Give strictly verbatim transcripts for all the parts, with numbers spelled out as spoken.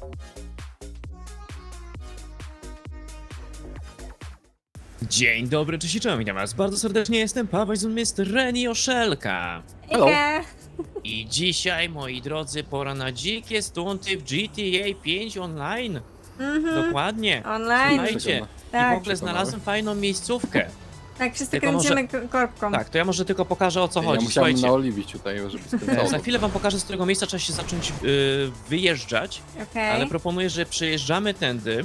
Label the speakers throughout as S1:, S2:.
S1: Dzień dobry, cześć i czołem, witam was bardzo serdecznie, jestem Paweł z mister Reni Oszelka.
S2: Hello.
S1: I dzisiaj, moi drodzy, pora na dzikie stunty w G T A pięć Online.
S2: Mhm.
S1: Dokładnie.
S2: Online.
S1: Słuchajcie, i
S2: Tak.
S1: w ogóle znalazłem fajną miejscówkę.
S2: Tak, wszyscy
S1: Tylko
S2: kręcimy k- korbką.
S1: Tak, to ja może tylko pokażę, o co
S3: Ja
S1: chodzi.
S3: musiałem
S1: Słuchajcie,
S3: naoliwić tutaj, żeby
S1: e,
S3: skręcało.
S1: za chwilę wam pokażę, z którego miejsca trzeba się zacząć y, wyjeżdżać,
S2: Okej.
S1: ale proponuję, że przejeżdżamy tędy.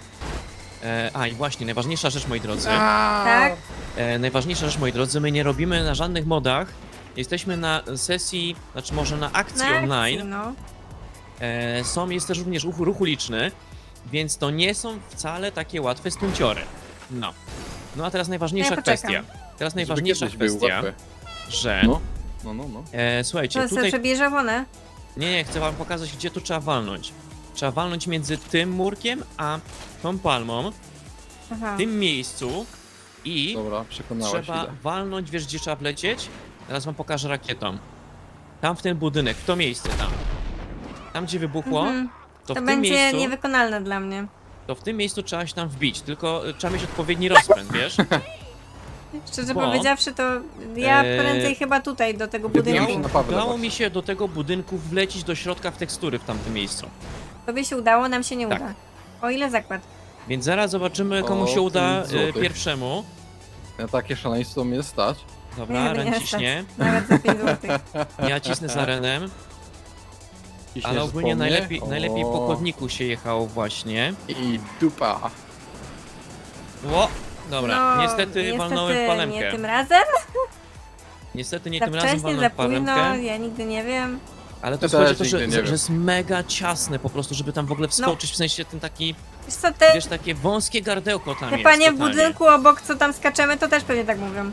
S1: E, a i właśnie, najważniejsza rzecz, moi drodzy.
S2: Tak?
S1: E, najważniejsza rzecz, moi drodzy, my nie robimy na żadnych modach. Jesteśmy na sesji, znaczy może na akcji
S2: Na
S1: online.
S2: akcji, no.
S1: E, są, jest też również ruch, ruch uliczny, więc to nie są wcale takie łatwe stunciory. No. No a teraz najważniejsza
S2: Ja poczekam.
S1: kwestia. Teraz
S3: Żeby
S1: najważniejsza
S3: kiedyś był
S1: kwestia,
S3: łatwy.
S1: że...
S3: No, no, no, no.
S1: E, słuchajcie,
S2: To sobie
S1: tutaj...
S2: przebierze one.
S1: Nie, nie, chcę wam pokazać, gdzie tu trzeba walnąć. Trzeba walnąć między tym murkiem, a tą palmą,
S2: Aha.
S1: w tym miejscu i...
S3: Dobra, przekonałaś
S1: Trzeba
S3: ile.
S1: walnąć, wiesz gdzie trzeba wlecieć? Teraz wam pokażę rakietą. Tam w ten budynek, w to miejsce tam. Tam gdzie wybuchło,
S2: Mhm.
S1: to,
S2: To
S1: w tym
S2: będzie
S1: miejscu,
S2: niewykonalne dla mnie.
S1: to w tym miejscu trzeba się tam wbić, tylko y, trzeba mieć odpowiedni rozpęd, wiesz?
S2: Szczerze
S1: Bo-
S2: powiedziawszy, to ja
S1: Eee,
S2: prędzej chyba tutaj do tego
S3: wybijam
S2: budynku.
S3: się na Pawła
S1: Udało
S3: właśnie.
S1: mi się do tego budynku wlecieć do środka w tekstury w tamtym miejscu.
S2: Tobie się udało, nam się nie
S1: Tak.
S2: uda. O ile zakład?
S1: Więc zaraz zobaczymy, komu
S3: O,
S1: się uda
S3: pięć
S1: y,
S3: złotych.
S1: pierwszemu.
S3: Na takie szaleństwo mnie stać.
S1: Dobra,
S2: Nie, nie
S1: Ren
S2: stać.
S1: ciśnie.
S2: Nawet za pięć złotych.
S1: Ja cisnę za Renem.
S3: Ciśniesz
S1: Ale ogólnie
S3: po mnie?
S1: najlepiej, najlepiej po
S3: O,
S1: chodniku się jechało właśnie.
S3: I dupa.
S1: Ło! Dobra,
S2: No,
S1: niestety, walnąłem w
S2: nie
S1: palemkę.
S2: tym razem?
S1: Niestety nie
S2: Za
S1: tym razem
S2: wcześnie,
S1: walnąłem
S2: za
S1: w palemkę.
S2: późno, ja nigdy nie wiem.
S1: Ale to
S3: Ja
S1: chodzi o
S3: też
S1: to, że,
S3: nigdy nie
S1: że,
S3: wiem.
S1: że jest mega ciasne po prostu, żeby tam w ogóle wskoczyć, w sensie ten taki,
S2: Wiesz co, te,
S1: wiesz, takie wąskie gardełko tam
S2: te
S1: jest
S2: panie w
S1: totalnie.
S2: budynku obok, co tam skaczemy, to też pewnie tak mówią.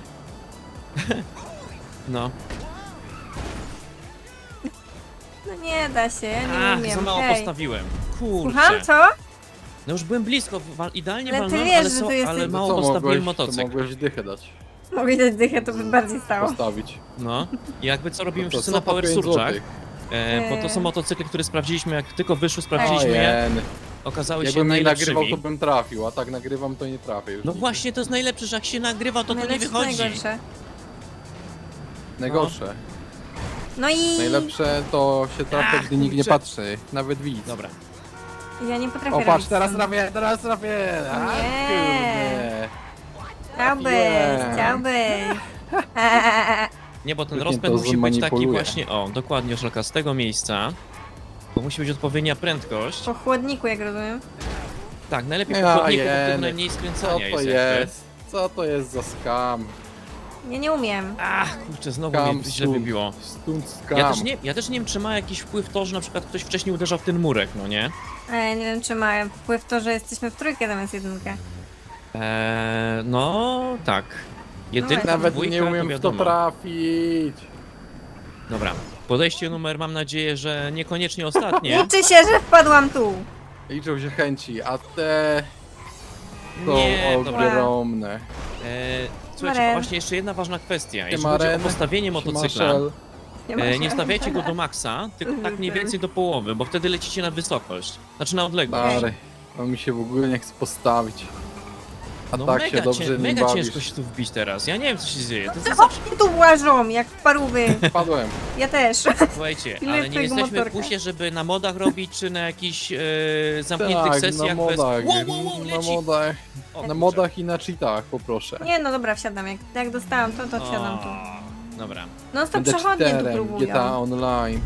S1: No,
S2: No nie da się, ja nie
S1: ach,
S2: umiem.
S1: za mało
S2: Hej.
S1: postawiłem. Kurczę.
S2: Słucham, co?
S1: No już byłem blisko, wa- idealnie
S2: Ale ty
S1: walnąłem,
S2: wiesz,
S1: ale,
S2: że
S1: so,
S2: tu jesteś-
S1: ale
S2: No
S1: mało
S3: Co
S1: postawiłem
S3: mogłeś, to
S1: motocykl.
S3: mogłeś dychę dać.
S2: Mogę dać dychę, to by bardziej stało.
S3: Postawić.
S1: No, i jakby co robimy
S3: No to
S1: wszyscy
S3: co
S1: na
S3: po
S1: Power
S3: pięć
S1: Surge'ach,
S3: złotych?
S1: e, bo to są
S2: Eee.
S1: motocykle, które sprawdziliśmy, jak tylko wyszły, sprawdziliśmy je,
S3: Ojen.
S1: okazały się
S3: Jakbym nie nagrywał,
S1: najlepszymi.
S3: to bym trafił, a tak nagrywam, to nie trafię już.
S1: No
S3: nigdy.
S1: właśnie, to jest najlepsze, że jak się nagrywa, to to nie
S2: Najlepsze,
S1: wychodzi.
S2: najgorsze.
S3: Najgorsze.
S2: No i
S3: Najlepsze to się trafia,
S1: Ach,
S3: gdy nikt nie
S1: kurczę.
S3: patrzy. Nawet widz.
S1: Dobra.
S2: ja nie potrafię
S3: O patrz,
S2: robić
S3: teraz
S2: sam.
S3: trafię, teraz trafię! A,
S2: Nie.
S3: kurde.
S2: Chciałbyś,
S3: Trafiłem.
S2: chciałbyś.
S1: Nie, bo ten
S3: Pewnie
S1: rozpęd
S3: to
S1: musi być taki
S3: zmanipuluje.
S1: właśnie, o, dokładnie, Oszelka, z tego miejsca. Bo musi być odpowiednia prędkość.
S2: Po chłodniku, jak rozumiem.
S1: Tak, najlepiej po
S3: Ja
S1: chodniku, bo wtedy
S3: jeny.
S1: najmniej
S3: Co
S1: skręcania
S3: to
S1: jest. jakby.
S3: jest? Co to jest za skam?
S2: Ja nie umiem.
S1: Ach, kurczę, znowu
S3: Skam,
S1: mnie źle
S3: stunt.
S1: wybiło.
S3: Stunt skam.
S1: Ja też, nie, ja też nie wiem, czy ma jakiś wpływ to, że na przykład ktoś wcześniej uderzał w ten murek, no nie?
S2: A ja nie wiem, czy ma wpływ to, że jesteśmy w trójkę zamiast jedynkę.
S1: Eee, no, tak. Jedynka,
S2: właśnie.
S3: Nawet
S1: dwójka,
S3: nie umiem
S1: to
S3: w to
S1: wiadomo.
S3: trafić.
S1: Dobra, podejście numer, mam nadzieję, że niekoniecznie ostatnie.
S2: Liczy się, że wpadłam tu.
S3: Liczą się chęci, a te są
S1: Nie, dobra.
S3: ogromne.
S1: Eee, słuchajcie,
S2: Maren.
S1: właśnie jeszcze jedna ważna kwestia. Jeśli
S3: Siema,
S1: chodzi o
S3: Ren.
S1: postawienie motocykla,
S3: Marshall.
S2: Nie, ma
S1: E,
S2: się.
S1: nie stawiajcie go do maksa, tylko tak mniej więcej do połowy, bo wtedy lecicie na wysokość. Znaczy na odległość.
S3: Stary, on mi się w ogóle nie chce postawić. A
S1: No
S3: tak
S1: mega,
S3: się dobrze
S1: cię,
S3: nie
S1: mega
S3: bawisz.
S1: ciężko się tu wbić teraz. Ja nie wiem co się dzieje. To jest
S2: Te
S1: zawsze...
S2: chłopaki tu łażą, jak parówy.
S3: Padłem.
S2: Ja też.
S1: Słuchajcie,
S2: Ile
S1: ale nie
S2: twojego
S1: jesteśmy w
S2: motorka?
S1: pusie, żeby na modach robić, czy na jakichś e, zamkniętych
S3: Tak, na
S1: sesjach bez...
S3: modach.
S1: Wow, wow, wow,
S3: na
S1: leci!
S3: modach.
S1: O,
S3: Na
S1: kurczę.
S3: modach i na cheatach poproszę.
S2: Nie, no dobra, wsiadam. Jak, jak dostałam to, to wsiadam tu.
S1: O, dobra.
S2: No to
S3: Będę
S2: przechodnie tu
S3: cheaterem G T A
S2: próbują.
S3: Online.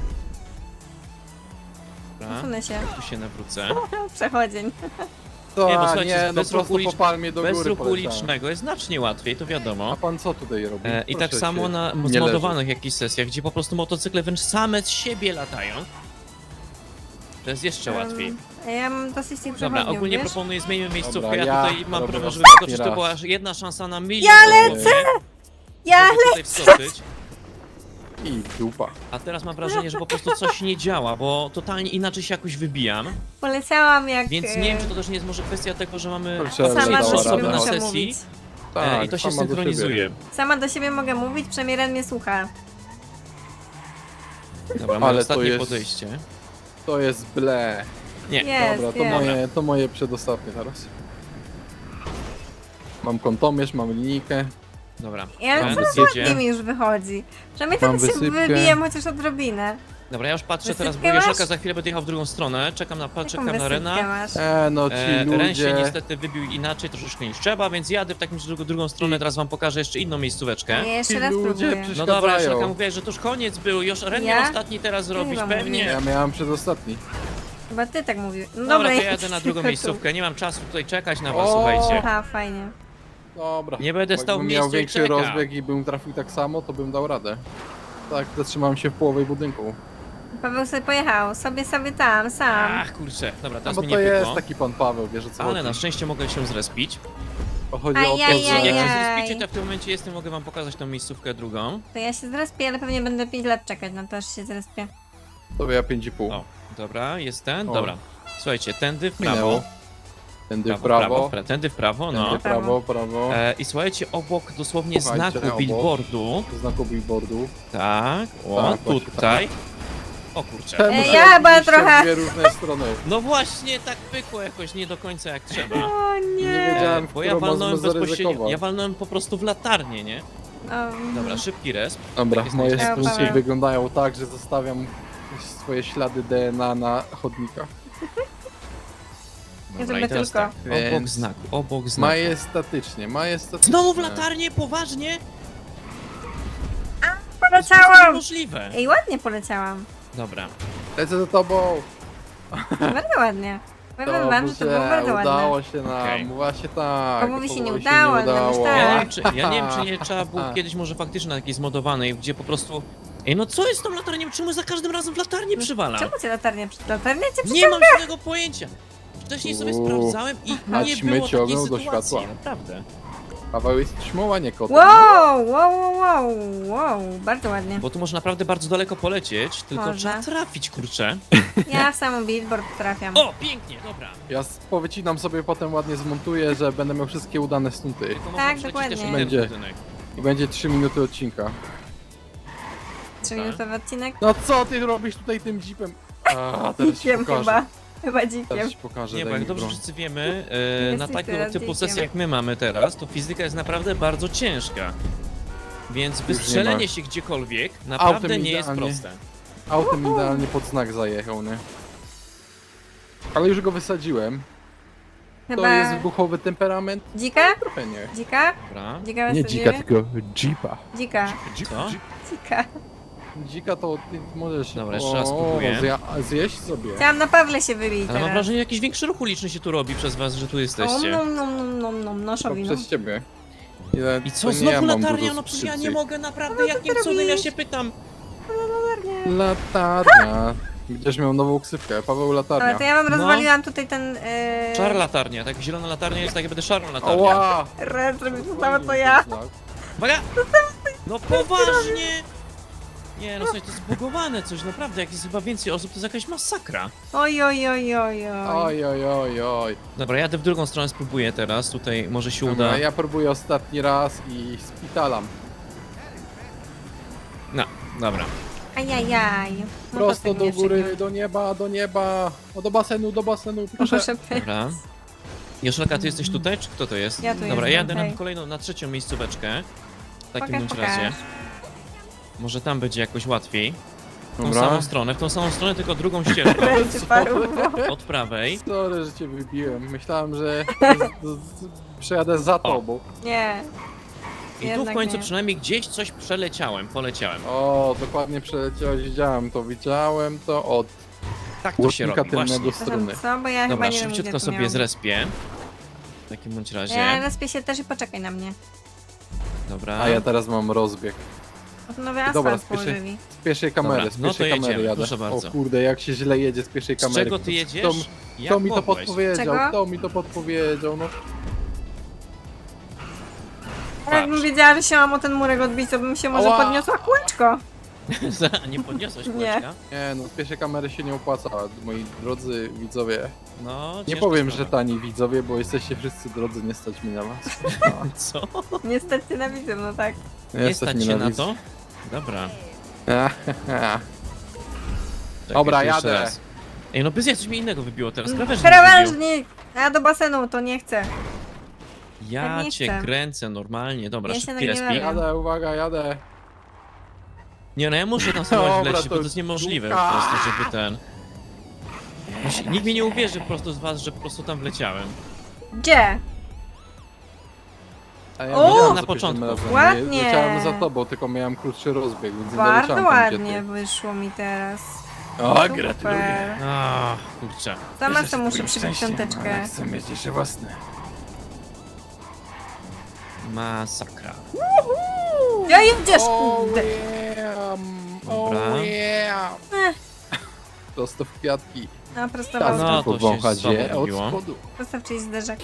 S1: dobra.
S2: Usunę się.
S1: Tu się nawrócę.
S2: Przechodzień.
S3: To
S1: Nie, bo
S3: nie,
S1: słuchajcie,
S3: no
S1: bez
S3: prosto
S1: ruchu
S3: po
S1: ulicz-
S3: palmie do
S1: Bez
S3: góry
S1: ruchu
S3: poleciałem.
S1: ulicznego jest znacznie łatwiej, to
S3: A
S1: wiadomo.
S3: pan co tutaj robi?
S1: E, I
S3: Proszę
S1: tak samo
S3: się.
S1: na
S3: nie leży.
S1: zmodowanych jakichś sesjach, gdzie po prostu motocykle wręcz same z siebie latają. To jest jeszcze łatwiej.
S2: Um, ja mam dosyć tych
S1: Dobra,
S2: przechodniów,
S1: ogólnie
S2: wiesz?
S1: proponuję zmienimy miejscówkę.
S3: Dobra,
S1: ja,
S3: ja
S1: tutaj mam
S3: robię
S1: problem, żeby
S3: ostatni
S1: wskoczyć. To
S3: raz.
S1: była aż jedna szansa na milion.
S2: Ja
S1: dosłownie,
S2: Ja
S1: żeby tutaj wskoczyć.
S3: I dupa.
S1: A teraz mam wrażenie, że po prostu coś nie działa, bo totalnie inaczej się jakoś wybijam.
S2: polecałam jak...
S1: Więc
S2: e,
S1: nie wiem, czy to też nie jest może kwestia tego, że mamy
S3: Kurczę,
S2: Sama
S3: dała
S2: do
S1: trzy
S2: siebie
S1: osoby
S3: radę.
S1: na
S2: muszę
S1: sesji
S2: mówić.
S1: e, i to się
S3: sama do
S1: synchronizuje.
S3: siebie.
S2: Sama do siebie mogę mówić, przynajmniej Ren mnie słucha.
S1: Dobra, mamy
S3: Ale to
S1: ostatnie
S3: jest-
S1: podejście.
S3: To jest ble.
S1: Nie.
S2: Jest,
S3: Dobra, to
S2: jest.
S3: moje, to moje przedostatnie teraz. Mam kątomierz, mam linijkę.
S1: Dobra.
S2: Ja
S1: Tędy
S2: coraz
S1: zjedzie.
S2: ładniej mi już wychodzi. Przynajmniej
S3: Mam
S2: tak się
S3: wysypkę.
S2: wybijam chociaż odrobinę.
S1: Dobra, ja już patrzę teraz, bo
S2: Wysypkę
S1: Joszelka
S2: masz?
S1: za chwilę będzie jechał w drugą stronę. Czekam na,
S2: Jaką
S1: czekam na
S2: wysypkę
S1: Rena.
S2: masz?
S3: E, no ci
S1: E, Ren się
S3: ludzie...
S1: niestety wybił inaczej troszeczkę niż trzeba, więc jadę w takim razie drugą, drugą stronę, teraz wam pokażę jeszcze inną miejscóweczkę.
S2: Ja jeszcze
S3: Ci
S2: raz
S3: ludzie
S2: próbuję.
S3: przecież-
S1: No dobra,
S3: przeszkadzają.
S1: Joszelka mówiłaś, że to już koniec był, już Ren
S2: Ja?
S1: miał ostatni teraz zrobić,
S2: chyba
S1: pewnie.
S2: mówię.
S3: Ja miałem przedostatni.
S2: Chyba ty tak mówił. No
S1: Dobra,
S2: dobra,
S1: to
S2: ja
S1: ja jadę na drugą miejscówkę, nie mam czasu tutaj czekać na was,
S3: O!
S1: słuchajcie.
S2: Aha, fajnie.
S3: Dobra.
S1: Nie będę stał w
S3: Jakbym
S1: miejscu
S3: miał
S1: i
S3: większy
S1: czekał.
S3: rozbieg i bym trafił tak samo, to bym dał radę. Tak, zatrzymałem się w połowie budynku.
S2: Paweł sobie pojechał, sobie sobie tam, sam.
S1: Ach, kurczę, dobra,
S3: No
S1: teraz
S3: bo
S1: mi
S3: to
S1: nie
S3: jest
S1: pykło.
S3: taki pan Paweł, wiesz o co
S1: Ale
S3: chodzi.
S1: na szczęście mogę się zrespić.
S3: To chodzi o to,
S2: Ajajaj.
S3: że...
S1: Jak się
S2: Ajaj.
S1: zrespicie, to w tym momencie jestem, mogę wam pokazać tą miejscówkę drugą.
S2: To ja się zrespię, ale pewnie będę pięć lat czekać na to, aż się zrespię.
S3: To ja pięć i pół.
S1: O, dobra, jest ten,
S3: O.
S1: dobra. Słuchajcie, tędy w prawo.
S3: Minęło. Tędy w
S1: prawo,
S3: prawo.
S1: pra- tędy w prawo, no.
S3: Tędy w prawo, prawo.
S1: E, I słuchajcie, obok dosłownie
S3: Słuchajcie,
S1: znaku
S3: obok.
S1: billboardu.
S3: Znaku billboardu.
S1: Tak, o,
S3: Tak, właśnie
S1: tutaj. O kurczę.
S3: Czemu
S2: Ej,
S3: to
S2: ja chyba
S3: robiliście w
S2: trochę-
S3: dwie różne strony.
S1: No właśnie, tak pykło jakoś nie do końca jak trzeba.
S2: O
S3: Nie
S2: nie.
S3: wiedziałem,
S1: E,
S3: w
S1: bo ja
S3: którą
S1: walnąłem
S3: można
S1: bezpośrednio,
S3: zaryzykować.
S1: ja walnąłem po prostu w latarnię, nie?
S2: O,
S1: Dobra, szybki resp.
S3: Dobra,
S1: Takie
S3: moje
S1: znajdziemy.
S3: stunty
S2: Paweł.
S3: wyglądają tak, że zostawiam swoje ślady D N A na chodnikach.
S2: Ja
S1: Dobra, i
S2: zrobię
S1: teraz
S2: tylko.
S1: tak, obok
S3: Więc-
S1: znaku, obok znaku.
S3: Majestatycznie, majestatycznie.
S1: Znowu w latarnię? Poważnie? To jest
S2: poleciałam!
S1: niemożliwe.
S2: Ej, ładnie poleciałam.
S1: Dobra.
S3: Lecę za tobą!
S2: Bardzo ładnie. Powiem wam, że to było
S3: Dobrze,
S2: bardzo ładne.
S3: udało się nam,
S1: Okej.
S3: właśnie tak.
S2: Komuś się nie
S3: komuś
S2: udało, ale nam już
S1: Ja
S2: tak.
S1: nie, wiem, czy, ja nie wiem, czy nie trzeba było kiedyś może faktycznie na takiej zmodowanej, gdzie po prostu... Ej, no co jest z tą latarnią? Czemu za każdym razem w latarnię przywala?
S2: Czemu cię latarnia przy latarnia cię
S1: Nie mam żadnego pojęcia. Wcześniej sobie
S3: Uuu.
S1: sprawdzałem i
S3: A
S1: nie
S3: ćmy
S1: było takiej
S3: ciągną do
S1: sytuacji,
S3: światła.
S1: naprawdę.
S3: Paweł jest ćmoła, nie kotem.
S2: Wow, wow, wow, wow, wow, bardzo ładnie.
S1: Bo tu można naprawdę bardzo daleko polecieć, tylko
S2: Można.
S1: trzeba trafić, kurczę.
S2: Ja w samą billboard trafiam.
S1: O, pięknie, dobra.
S3: Ja s- powycinam sobie, potem ładnie zmontuję, że będę miał wszystkie udane stunty.
S1: Tylko można
S2: Tak,
S1: przejść
S2: dokładnie.
S1: też inny
S3: Będzie.
S1: budynek.
S3: I będzie trzy minuty odcinka.
S2: Trzyminutowy odcinek.
S3: No co ty robisz tutaj tym jeepem? A, teraz ci
S2: Dzikiem
S3: pokażę.
S2: chyba. Chyba dzikiem.
S3: Teraz ci pokażę,
S1: Nie, bo
S3: daj
S1: jak
S3: mi
S1: dobrze
S3: broń.
S1: wszyscy wiemy, e, na
S2: Jesteś
S1: takiego
S2: teraz
S1: typu
S2: dzieckiem.
S1: sesję jak my mamy teraz, to fizyka jest naprawdę bardzo ciężka. Więc
S3: nie
S1: wystrzelenie
S3: ma.
S1: się gdziekolwiek naprawdę
S3: Autem
S1: nie jest
S3: idealnie.
S1: proste.
S3: Autem idealnie pod znak zajechał, nie? Ale już go wysadziłem. To
S2: Chyba
S3: jest wybuchowy temperament?
S2: dzika?
S3: Trochę nie.
S2: Dzika?
S1: Dobra.
S2: Dzika
S3: Nie
S2: wysadzimy?
S3: dzika, tylko jeepa.
S2: Dzika.
S1: Co?
S2: Dzika.
S3: Dzika to ty możesz...
S1: Dobra, jeszcze raz spróbuję.
S3: zja- zjeść sobie.
S2: Chciałam na Pawle się wybić
S1: Ale mam
S2: teraz.
S1: wrażenie, że jakiś większy ruch uliczny się tu robi przez was, że tu
S2: O,
S1: jesteście.
S2: nom, nom, nom, nom, nom,
S3: To
S2: noszowi, no.
S3: przez ciebie. Ile,
S1: I
S3: to
S1: co,
S3: nie
S1: znowu
S3: ja mam
S1: latarnia?
S3: dużo
S1: No przecież ja nie
S3: subskrypcji.
S1: mogę, naprawdę,
S2: No, co
S1: jakim
S2: ty
S1: cudem, ja
S2: robisz?
S1: się pytam.
S3: Latarnia. Będziesz miał nową ksywkę. Paweł Latarnia.
S2: Ale to ja wam
S1: No.
S2: rozwaliłam tutaj ten... Yy...
S1: Szara latarnia, tak zielona latarnia jest tak, jak będę szarą latarnią.
S3: Oła!
S2: Red, żeby to samo co ja.
S1: Uwaga! No poważnie! Nie, no coś, to jest zbugowane coś, naprawdę, jak jest chyba więcej osób, to jest jakaś masakra.
S2: Oj, oj, oj, oj, oj.
S3: Oj, oj, oj, oj.
S1: Dobra, jadę w drugą stronę, spróbuję teraz, tutaj może się uda.
S3: Dobra, ja próbuję ostatni raz i spitalam.
S1: No, dobra.
S2: Ajajaj. No to
S3: Prosto
S2: tak
S3: do
S2: nie
S3: góry,
S2: przegiąłem.
S3: do nieba, do nieba. O, do basenu, do basenu, proszę.
S2: Proszę pytać.
S1: Dobra. Joszelka, ty jesteś tutaj, czy kto to jest?
S2: Ja tu
S1: Dobra,
S2: jestem,
S1: jadę
S2: hej.
S1: na kolejną, na trzecią miejscóweczkę. W takim
S2: Pokaż,
S1: bądź
S2: pokaż.
S1: razie. Może tam będzie jakoś łatwiej. W tą
S3: Dobra.
S1: samą stronę, w tą samą stronę, tylko drugą ścieżką.
S2: Ręce paru.
S1: Od prawej.
S3: Sorry, że cię wybiłem. Myślałem, że z- z- przejadę za tobą.
S2: Nie.
S1: I tu w
S2: Jednak
S1: końcu
S2: nie.
S1: przynajmniej gdzieś coś przeleciałem, poleciałem.
S3: O, dokładnie przeleciałeś, widziałem to, widziałem to od
S1: Tak to się
S3: łącznika
S1: robi, właśnie.
S3: tylnego strony.
S2: Co? Bo ja
S1: Dobra,
S2: chyba nie wiem,
S1: szybciutko
S2: gdzie to
S1: sobie
S2: miałam.
S1: zrespię. W takim bądź razie.
S2: Ja respię się też i poczekaj na mnie.
S1: Dobra.
S3: A ja teraz mam rozbieg.
S2: Nowy
S3: Dobra,
S2: asfalt
S3: spieszę-
S2: położyli.
S3: Z pierwszej kamery,
S1: Dobra,
S3: z
S1: no
S3: pierwszej
S1: to
S3: kamery
S1: jedziemy,
S3: jadę.
S1: proszę bardzo.
S3: O kurde, jak się źle jedzie z pierwszej
S1: Z
S3: kamery.
S1: czego ty
S3: Kto-
S1: jedziesz?
S3: Kto,
S1: Jak
S3: kto mi to
S1: mogłeś?
S3: podpowiedział?
S2: Czego?
S3: Kto mi to podpowiedział? No,
S2: Ale jakbym wiedziała, że się mam o ten murek odbić, to bym się może
S3: Ała!
S2: podniosła kółeczko.
S1: Nie podniosłeś
S2: Nie.
S1: kółeczka?
S3: nie, no z pierwszej kamery się nie opłaca, moi drodzy widzowie.
S1: No,
S3: Nie
S1: ciężka
S3: powiem, że
S1: sprawa.
S3: tani widzowie, bo jesteście wszyscy drodzy, nie stać mi na was.
S1: Co?
S2: Niestety nienawidzę, no tak.
S1: Nie stać
S3: mi
S1: się na
S3: widz.
S1: to? Dobra.
S3: Ach,
S1: Czekaj,
S3: Dobra,
S1: jeszcze
S3: jadę.
S1: raz. Ej, no bez jak coś mi innego wybiło teraz, krawężnik mi wybił.
S2: Krawężnik! A ja do basenu to nie chcę.
S1: Ja
S2: nie
S1: cię
S2: chcę.
S1: kręcę normalnie, dobra,
S2: Ja się
S1: szybki
S2: nagniewałem.
S1: respik.
S3: Jadę, uwaga, jadę.
S1: Nie no, ja muszę tam spróbować
S3: Dobra,
S1: wlecieć, bo
S3: to
S1: to jest niemożliwe po
S3: dupa.
S1: prostu, żeby ten... Musi- Nikt mi nie uwierzy po prostu z was, że po prostu tam wleciałem.
S2: Gdzie?
S3: A ja
S2: O!
S3: wiedziałem
S1: Na
S3: za
S1: początku.
S3: pierwszym razem.
S2: Ładnie.
S3: Nie, leciałem za tobą, tylko miałem krótszy rozbieg, więc nie
S2: Bardzo
S3: doleciałem tam,
S2: ładnie
S3: gdzie
S2: wyszło mi teraz.
S3: ty. O,
S2: Super.
S3: gratuluję.
S1: A, kurczę.
S2: Sama co muszę przybić piąteczkę.
S3: Chcę mieć jeszcze własne.
S1: Masakra.
S2: Ja jedziesz,
S3: Oh
S2: kurde.
S3: yeah,
S1: Dobra.
S3: oh yeah.
S2: Ech.
S3: Prosto w kwiatki.
S2: No prosto
S3: Czas
S1: No,
S2: no,
S1: to się
S3: powąchać
S1: słabo
S3: je od
S1: robiło.
S3: spodu.
S2: prosto w czyjś zderzak.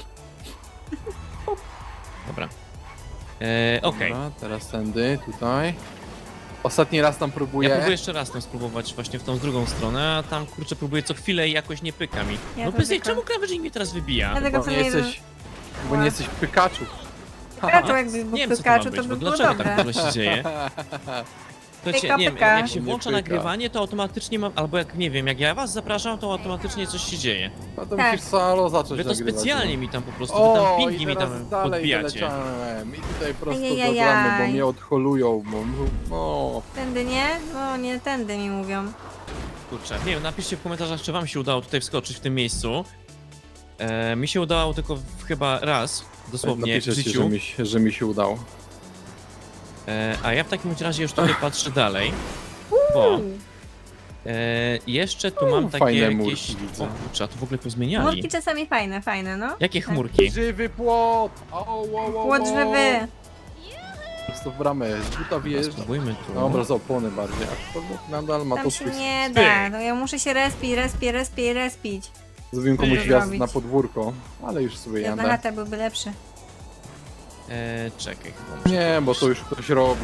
S1: Dobra. E, Okej.
S3: Dobra, teraz tędy, tutaj. Ostatni raz tam próbuję.
S1: Ja próbuję jeszcze raz tam spróbować właśnie w tą drugą stronę, a tam kurczę próbuję co chwilę i jakoś nie pyka mi.
S2: Ja
S1: No
S2: to
S1: bez jej,
S2: tylko-
S1: czemu krawężnik mnie teraz wybija?
S2: Ja tego
S3: Bo
S2: co
S3: nie
S2: nie
S3: jesteś, bo nie jesteś Pikachu.
S2: Pikachu, jakbyś był
S1: Nie wiem co to ma
S2: Pikachu,
S1: być,
S2: to
S1: bo
S2: by było
S1: dlaczego
S2: dobre.
S1: tak dużo się dzieje? To
S2: Pyka,
S1: się, nie wiem,
S2: pyka.
S1: jak się
S3: Nie
S1: włącza
S3: pyka.
S1: nagrywanie, to automatycznie mam, albo jak nie wiem, jak ja was zapraszam, to automatycznie coś się dzieje.
S3: No to
S2: Tak.
S3: musisz solo zacząć
S1: Wy to
S3: nagrywać.
S1: specjalnie mi tam po prostu, wy tam
S3: O,
S1: pingi
S3: i
S1: mi
S3: teraz
S1: tam
S3: dalej
S1: podbijacie.
S3: wyleciałem. I tutaj prosto
S2: Ajajajaj.
S3: do bramy, bo mnie odholują, bo no.
S2: Tędy nie? No nie, tędy mi mówią.
S1: Kurczę, nie wiem, napiszcie w komentarzach, czy wam się udało tutaj wskoczyć w tym miejscu. E, mi się udało tylko w, chyba raz, dosłownie w
S3: Napiszę ci, że
S1: życiu.
S3: mi, się- że mi się udało.
S1: E, a ja w takim razie już tutaj patrzę dalej, bo e, jeszcze tu mam
S3: U,
S1: takie
S3: fajne
S1: jakieś...
S3: murki widzę.
S1: O kurczę, a tu w ogóle pozmieniali.
S2: Murki czasami fajne, fajne, no.
S1: Jakie chmurki?
S3: Żywy płot! O, o, o, o.
S2: Płot żywy.
S3: Prosto w bramę, z buta
S1: Dobra,
S3: wjeżdża.
S1: spróbujmy tu.
S3: Dobra, z opony bardziej, aczkolwiek nadal ma
S2: Tam
S3: to
S2: się
S3: swój
S2: nie
S3: styk.
S2: da, no ja muszę się respić, respić, respić, respić.
S3: Zrobiłem komuś
S2: Co
S3: wjazd
S2: zrobić?
S3: na podwórko, ale już sobie
S2: Jedna
S3: jadę.
S2: chata byłby lepszy.
S1: E, czekaj chyba.
S3: Nie, bo to już ktoś robił.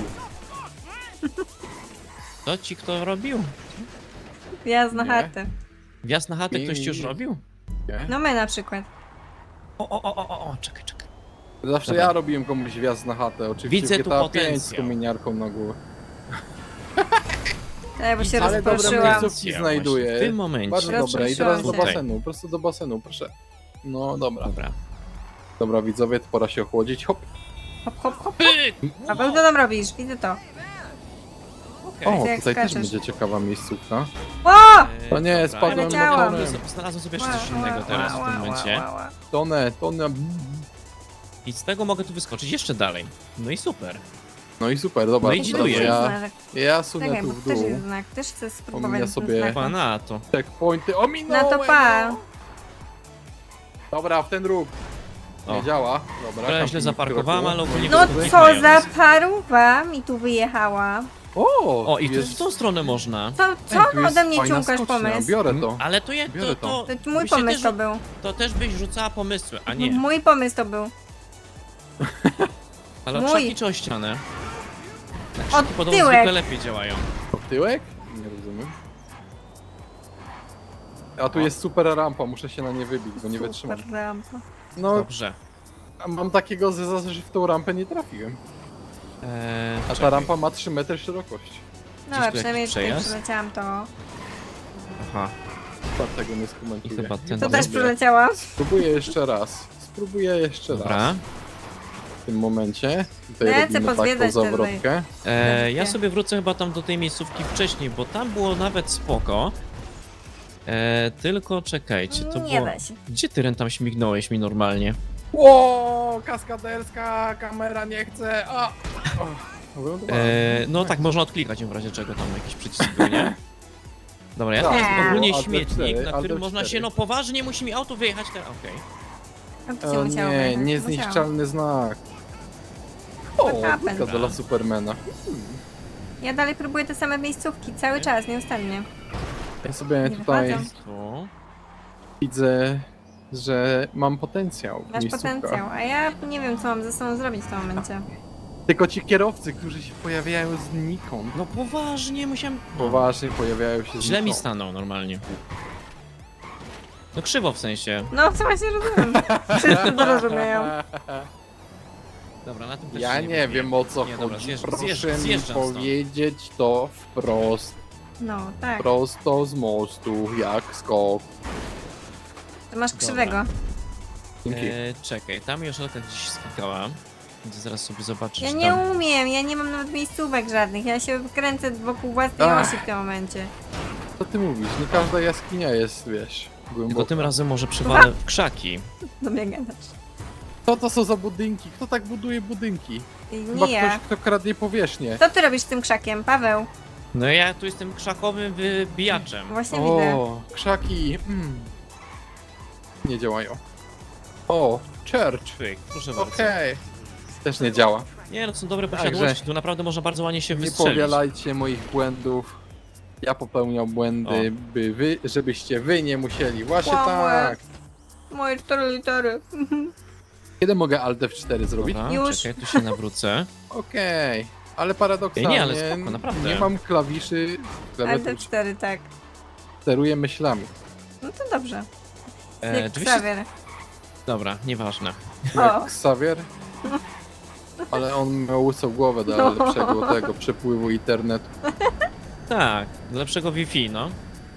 S1: To ci kto robił?
S2: Wjazd na
S3: Nie.
S2: chatę.
S1: Wjazd na chatę
S3: Nie,
S1: ktoś ci już
S3: nie.
S1: robił?
S3: Nie?
S2: No my na przykład.
S1: O, o, o, o, o, czekaj, czekaj.
S3: Zawsze
S1: Dobra.
S3: ja robiłem komuś wjazd na chatę, oczywiście
S1: Widzę
S3: w
S1: tu
S3: G T A pięć z
S1: potencjał.
S3: kominiarką na głowę.
S2: Tak, bo się
S3: Ale dobre
S2: rozproszyłam.
S3: miejscówki znajduję.
S1: W tym momencie.
S3: Bardzo
S2: Rozproszyłam
S3: dobre i teraz do
S2: się.
S3: basenu, prosto do basenu, proszę. No dobra.
S1: Dobra.
S3: Dobra widzowie, to pora się ochłodzić, hop.
S2: Hop, hop, hop.
S1: Pyk!
S2: Paweł, co tam robisz? Widzę to.
S1: Okej.
S3: O,
S2: Ty jak
S3: tutaj też
S2: skaczesz.
S3: będzie ciekawa miejscówka.
S2: O!
S1: E,
S3: To nie,
S1: dobra,
S3: spadłem
S1: ja
S2: Leciałam.
S1: znalazłem- Znalazłem sobie jeszcze coś innego teraz w tym momencie.
S3: Tonę, tonę.
S1: I z tego mogę tu wyskoczyć jeszcze dalej. No i super.
S3: No i super, dobra.
S1: No i
S3: to
S1: dziduję.
S3: teraz
S2: Znak.
S3: Ja, ja sunę
S2: Czekaj,
S3: tu
S2: bo
S3: w
S2: też
S3: dół.
S2: jest znak. Też chcę spróbować
S3: Ominia
S2: ten
S3: sobie-
S2: znak.
S1: Pana to.
S3: Checkpointy, ominąłem!
S2: No to pa.
S3: no. Dobra, w ten róg. Nie
S1: O.
S3: działa. Dobra,
S1: Trochę źle
S3: kamping
S1: zaparkowałem,
S3: kroku.
S1: ale ogólnie
S2: No
S1: wyskoczyłem
S2: co za
S1: mając.
S2: paruwa mi tu wyjechała.
S3: O,
S1: O, i tu
S3: jest...
S1: w tą stronę można.
S2: Co,
S3: Ej,
S2: co
S3: tu jest
S2: ode mnie
S3: fajna
S2: ciągasz
S3: skocznia,
S2: pomysł?
S3: Biorę to.
S1: Ale to je, to,
S3: Biorę
S1: to,
S3: to.
S2: To mój
S1: byście
S2: pomysł
S1: też,
S2: to był.
S1: To też byś rzucała pomysły, a nie.
S2: Mój pomysł to był.
S1: Ale o
S2: mój.
S1: krzaki czy o ścianę? Na
S2: O
S1: krzaki podobno
S2: tyłek.
S1: zwykle lepiej działają.
S3: W tyłek? Nie rozumiem. A tu jest super rampa, muszę się na nie wybić, bo nie wytrzymam.
S2: Super rampa.
S3: No,
S1: Dobrze.
S3: a mam takiego zeza, że w tą rampę nie trafiłem.
S1: Eee,
S3: A ta
S1: czekaj.
S3: rampa ma trzy metry szerokości.
S2: No
S1: tu
S2: ale
S1: jakiś
S2: przynajmniej tutaj
S1: przejazd?
S2: przyleciałam to.
S1: Aha.
S3: Tak, tego nie
S1: I
S3: skomentuję.
S1: chyba ten
S2: To
S3: Dobra.
S2: też przyleciałam.
S3: Spróbuję jeszcze raz. Spróbuję jeszcze
S1: Dobra.
S3: raz. W tym momencie. Tutaj
S2: Lecę
S3: robimy taką
S2: pozwiedzać ten
S3: zawrotkę.
S1: Eee, ja
S2: Dobrze.
S1: sobie wrócę chyba tam do tej miejscówki wcześniej, bo tam było nawet spoko. Eee, tylko czekajcie, to
S2: Nie
S1: było...
S2: da się.
S1: Gdzie ty Ren tam śmignąłeś mi normalnie?
S3: Ło, kaskaderska kamera nie chce. A! O, wylądowałem.
S1: Eee, no tak, można odklikać ją w razie czego tam jakiś przycisk był, nie? Dobra, ja
S3: Tak,
S1: to jest
S2: było
S1: ogólnie
S3: Alt
S1: śmietnik,
S3: cztery,
S1: na
S3: Alt
S1: którym można się,
S3: cztery.
S1: no poważnie musi mi auto wyjechać teraz, okej.
S2: No to się
S3: O
S2: musiało
S3: nie,
S2: wyjechać,
S3: niezniszczalny znak. O,
S2: What happened?
S3: budka dla Supermana.
S2: musiało. Ja dalej próbuję te same miejscówki, cały czas, nieustannie.
S3: Ja sobie
S2: Nie
S3: tutaj
S2: wychodzą.
S1: Tu.
S3: widzę, że mam potencjał w
S2: Masz
S3: miejscówkach.
S2: potencjał, a ja nie wiem co mam ze sobą zrobić w tym momencie.
S3: Tylko ci kierowcy, którzy się pojawiają znikąd.
S1: No poważnie, musiałem...
S3: Poważnie pojawiają się
S1: Źle mi
S3: znikąd.
S1: stanął normalnie. No krzywo w sensie.
S2: No co właśnie rozumiem. Wszyscy to rozumieją.
S1: Dobra, na tym też
S3: Ja
S1: się
S3: nie
S1: wybiję.
S3: wiem o co
S1: Nie, dobra,
S3: chodzi.
S1: zjeżdż-
S3: Proszę
S1: zjeżdż-
S3: mi
S1: zjeżdżam stąd.
S3: powiedzieć to wprost.
S2: No, tak.
S3: Prosto z mostu, jak skok.
S2: To masz
S1: Dobra.
S2: krzywego.
S3: Dzięki.
S1: E, czekaj, tam Joszelka gdzieś skakała. Więc zaraz sobie zobaczysz
S2: Ja
S1: tam.
S2: nie umiem, ja nie mam nawet miejscówek żadnych. Ja się kręcę wokół własnej
S3: Ach.
S2: osi w tym momencie.
S3: Co ty mówisz? Nie każda jaskinia jest, wiesz,
S1: Tylko
S3: głęboka.
S1: tym razem może przewalę w krzaki.
S2: Do mnie gadasz.
S3: Co to są za budynki? Kto tak buduje budynki?
S2: I
S3: Chyba
S2: nie ja.
S3: ktoś, kto kradnie powierzchnię.
S2: Co ty robisz z tym krzakiem, Paweł?
S1: No ja tu jestem krzakowym wybijaczem.
S2: Właśnie widzę.
S3: O, krzaki. Mm. Nie działają. O, church.
S1: Pyk, proszę bardzo.
S3: Okej. Też nie działa.
S1: Nie no, to są dobre
S3: Także-
S1: posiadłości, tu naprawdę można bardzo ładnie się
S3: Nie
S1: wystrzelić.
S3: powielajcie moich błędów. Ja popełniam błędy, by wy, żebyście wy nie musieli. Właśnie
S2: Kłamłe.
S3: tak.
S2: Moje cztery litery.
S3: Kiedy mogę Alt F cztery zrobić?
S1: Dobra,
S2: Już.
S1: czekaj, tu się nawrócę.
S3: Okej. Ale paradoksalnie
S1: Nie, ale spoko, naprawdę.
S3: nie mam klawiszy,
S2: Ale
S3: klawiatur,
S2: te cztery, tak.
S3: steruję myślami.
S2: No to dobrze.
S1: E,
S2: Jak
S1: oczywiście...
S2: Xavier.
S1: Dobra, nieważne.
S2: O,
S3: Jak Xavier. Ale on miał łysą głowę do
S2: No.
S3: lepszego tego przepływu internetu.
S1: Tak, do lepszego Wi-Fi, no.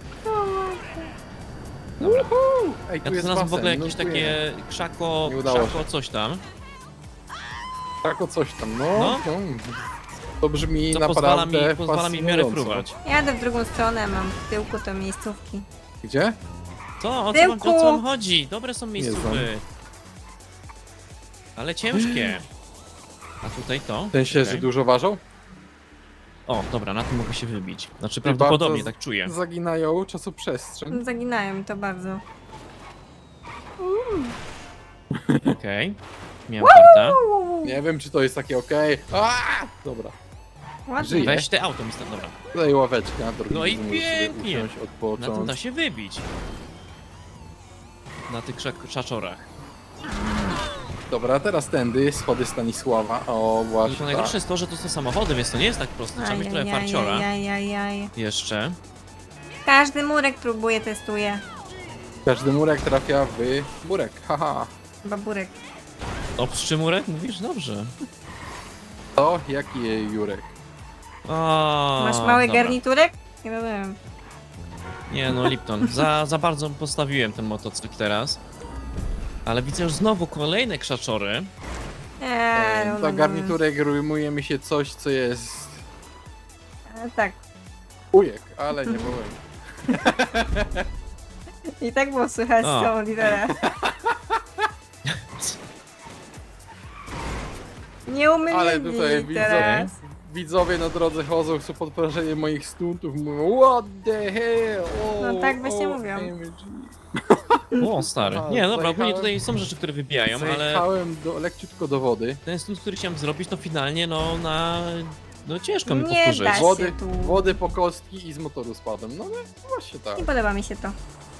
S1: Dobra.
S3: Ej,
S1: Ja
S3: tu
S1: tu
S3: jest
S1: znalazłem w ogóle
S3: basen,
S1: jakieś
S3: nurkuję.
S1: takie krzako,
S3: Nie udało
S1: krzako coś tam.
S3: Tak o coś tam, no.
S1: No.
S3: no. To brzmi
S1: Co
S3: naprawdę
S1: pozwala mi, pozwala mi w miarę
S3: fascynująco.
S1: fruwać.
S2: jadę w drugą stronę, mam w tyłku to miejscówki.
S3: Gdzie?
S1: Co? O co, wam,
S2: Tyłku.
S1: o co wam chodzi? Dobre są
S3: znam.
S1: miejscówki. Ale ciężkie. A tutaj to?
S3: Ten się, że
S1: Czekaj.
S3: dużo ważą?
S1: O, dobra, na tym mogę się wybić. Znaczy
S3: I
S1: prawdopodobnie,
S3: bardzo
S1: tak czuję.
S3: Zaginają czasoprzestrzeń.
S2: Zaginają mi to bardzo.
S1: Okej. Miałem kartę.
S3: Nie wiem, czy to jest takie okej. Okay. Dobra.
S2: Ładnie.
S3: Żyje.
S1: Weź te auto, mister, dobra.
S3: Tutaj ławeczka na drugim
S1: No i
S3: możesz sobie
S1: pięknie.
S3: usiąść,
S1: Na tym
S3: odpocząć.
S1: da się wybić. Na tych krzak- krzaczorach.
S3: Dobra, teraz tędy, schody Stanisława. O,
S1: No
S3: właśnie
S1: to
S3: tak.
S1: najgorsze jest to, że to są samochody, więc to nie jest tak proste. Trzeba mieć trochę farciora.
S2: Ajajajajajaj.
S1: Jeszcze.
S2: Każdy murek próbuje, testuje.
S3: Każdy murek trafia w murek, haha.
S2: Baburek.
S1: Obstrzy murek? Mówisz? Dobrze.
S3: To jaki Jurek?
S1: O,
S2: Masz mały
S1: dobra.
S2: garniturek? Nie rozumiem.
S1: Nie no, Lipton. Za, za bardzo postawiłem ten motocykl teraz. Ale widzę już znowu kolejne krzaczory.
S2: Eee, no,
S3: Za
S2: no, no.
S3: garniturek rymuje mi się coś, co jest
S2: E, tak.
S3: ujek, ale nie powiem.
S2: I tak było słychać
S1: O.
S2: z tą literę. Nie umiem
S3: Ale tutaj
S2: teraz.
S3: widzowie, widzowie na drodze chodzą, chcą podporzenie moich stuntów, mówią what the hell, oh,
S2: No tak właśnie
S3: oh,
S2: mówią.
S3: M G.
S1: O, stary.
S3: A,
S1: Nie, dobra, ogólnie
S3: zajechałem-
S1: tutaj są rzeczy, które wybijają, ale
S3: Zajechałem do, lekciutko do wody.
S1: ten stunt, który chciałem zrobić, to finalnie, no, na... No ciężko mi
S2: Nie
S1: powtórzyć.
S2: da się.
S3: Wody,
S2: tu.
S3: wody po kostki i z motoru spadłem. No, no właśnie tak.
S2: Nie podoba mi się to.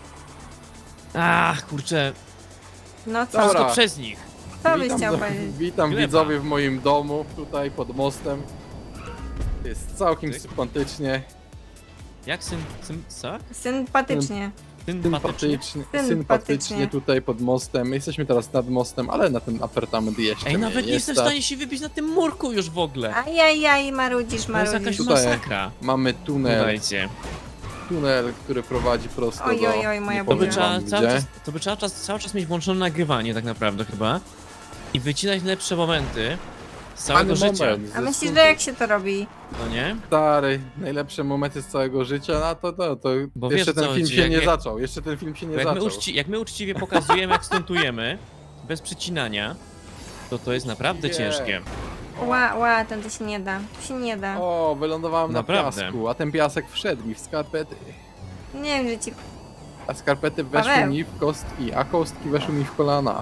S1: Ach, kurczę,
S2: No co?
S3: Dobra.
S1: wszystko przez nich.
S2: Co byś
S3: Witam,
S2: chciał
S3: do-
S2: powiedzieć?
S3: witam
S1: Gleba.
S3: widzowie w moim domu, tutaj pod mostem. Jest całkiem
S1: Tyk.
S3: sympatycznie,
S1: Jak syn... syn co?
S2: Sympatycznie.
S1: Sympatycznie?
S3: sympatycznie,
S2: Sympatycznie.
S3: sympatycznie tutaj pod mostem. Jesteśmy teraz nad mostem, ale na ten apartament jeszcze
S1: Ej,
S3: nie
S1: nawet nie
S3: jest.
S1: jestem w stanie się wybić na tym murku już w ogóle.
S2: Ajajaj, marudzisz,
S1: To jest
S2: marudzisz.
S1: jakaś
S3: Tutaj.
S1: masakra.
S3: Mamy tunel,
S1: Słuchajcie.
S3: tunel, który prowadzi prosto
S2: Oj,
S3: do...
S2: oj, oj, moja
S3: nie
S1: To by,
S3: powiem
S1: trzeba
S3: wam
S1: cały
S3: gdzie.
S1: czas, to by trzeba czas, cały czas mieć włączone nagrywanie tak naprawdę chyba. I wycinać lepsze momenty z całego
S3: Fajny
S1: życia.
S3: moment,
S2: A
S3: ze
S2: myślisz,
S3: stuntu-
S2: że jak się to robi?
S1: No nie?
S3: Stary, najlepsze momenty z całego życia, no to, to, to
S1: Bo
S3: jeszcze
S1: wiesz,
S3: ten
S1: co
S3: film
S1: chodzi,
S3: się
S1: jak-
S3: nie
S1: jak-
S3: zaczął, jeszcze ten film się nie
S1: Bo jak my,
S3: zaczął.
S1: uczci, jak my uczciwie pokazujemy, jak stuntujemy, bez przycinania, to to jest naprawdę
S3: Nie.
S1: ciężkie.
S2: Ła, ła, ten to się nie da. To się nie da.
S3: O, wylądowałem
S1: Naprawdę.
S3: na piasku, a ten piasek wszedł mi w skarpety.
S2: Nie wiem, że ci...
S3: A skarpety weszły
S2: Paweł.
S3: mi w kostki, a kostki weszły mi w kolana.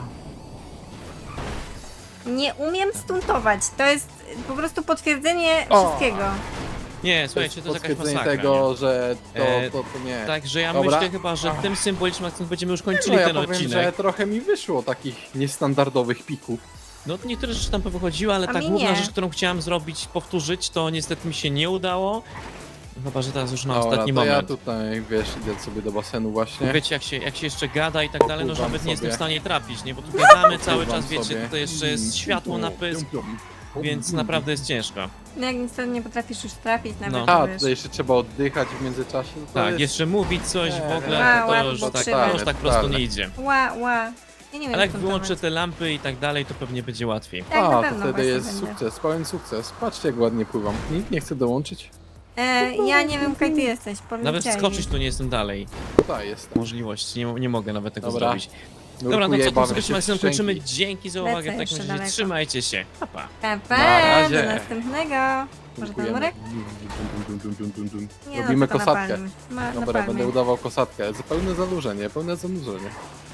S2: Nie umiem stuntować. To jest po prostu potwierdzenie
S3: O.
S2: wszystkiego.
S1: Nie,
S3: To
S1: słuchajcie,
S3: jest
S1: to jest jakaś
S3: potwierdzenie
S1: masakra.
S3: tego, że to,
S1: E,
S3: to, to nie.
S1: Także ja
S3: Dobra.
S1: myślę chyba, że tym symbolicznym akcentem będziemy już kończyli
S3: No ja
S1: ten
S3: powiem,
S1: odcinek.
S3: że trochę mi wyszło takich niestandardowych pików.
S1: No to niektóre rzeczy tam powychodziły, ale
S2: A
S1: ta
S2: mi
S1: główna
S2: nie.
S1: rzecz, którą chciałem zrobić, powtórzyć, to niestety mi się nie udało. Chyba, że teraz już na
S3: Dobra,
S1: ostatni
S3: to ja
S1: moment.
S3: tutaj, wiesz, idę sobie do basenu właśnie.
S1: Wiecie, jak się, jak się jeszcze gada i tak dalej, no że
S3: Popływam
S1: nawet nie jestem w
S3: sobie.
S1: stanie trafić, nie? Bo tu gadamy cały
S3: Popływam
S1: czas, wiecie,
S3: sobie.
S1: tutaj jeszcze jest światło na pysk.
S3: Pium, pium.
S1: więc naprawdę jest ciężko.
S2: No jak niestety nie potrafisz już trafić nawet,
S1: No.
S2: to
S3: A,
S2: wiesz.
S3: tutaj jeszcze trzeba oddychać w międzyczasie. No to
S1: Tak,
S3: jest...
S1: jeszcze mówić coś w
S3: Nie,
S1: ogóle,
S2: Ła,
S1: to,
S2: ła,
S1: to już
S2: bo
S1: tak,
S2: trzeba.
S1: to już tak prosto
S3: Totalne.
S1: nie idzie.
S2: Ła, ła. Ja nie wiem,
S1: Ale jak
S2: co
S1: wyłączę
S2: tam
S1: te lampy i tak dalej, to pewnie będzie łatwiej.
S2: Tak, na
S3: A, to
S2: pewno
S3: wtedy
S2: właśnie
S3: jest
S2: będzie.
S3: sukces, pełen sukces. Patrzcie jak ładnie pływam. Nikt nie chce dołączyć?
S2: E, ja nie wiem, kaj ty jesteś,
S1: Nawet
S2: powiedzieli.
S1: skoczyć tu nie jestem dalej.
S3: Tutaj jestem.
S1: Możliwości, nie, nie mogę nawet tego
S3: Dobra.
S1: zrobić. Dobra, no
S3: Nurkuję,
S1: co, tu
S3: bawię
S1: sobie
S3: się
S1: z
S3: w
S1: Maxem kończymy.
S3: szczęki.
S1: Dzięki za
S2: Lecę
S1: uwagę, w takim
S2: jeszcze
S1: razie
S2: daleko.
S1: trzymajcie się. Pa, pa.
S2: Pa, pa,
S3: Na razie.
S2: do następnego. Może ten
S3: Nurkujemy.
S2: murek?
S3: Dun, dun, dun, dun, dun.
S2: Nie,
S3: Robimy
S2: no, tylko na
S3: kosatkę.
S2: palmie. Ma, na
S3: Dobra,
S2: palmie.
S3: będę udawał kosatkę. Pełne zanurzenie, pełne zanurzenie.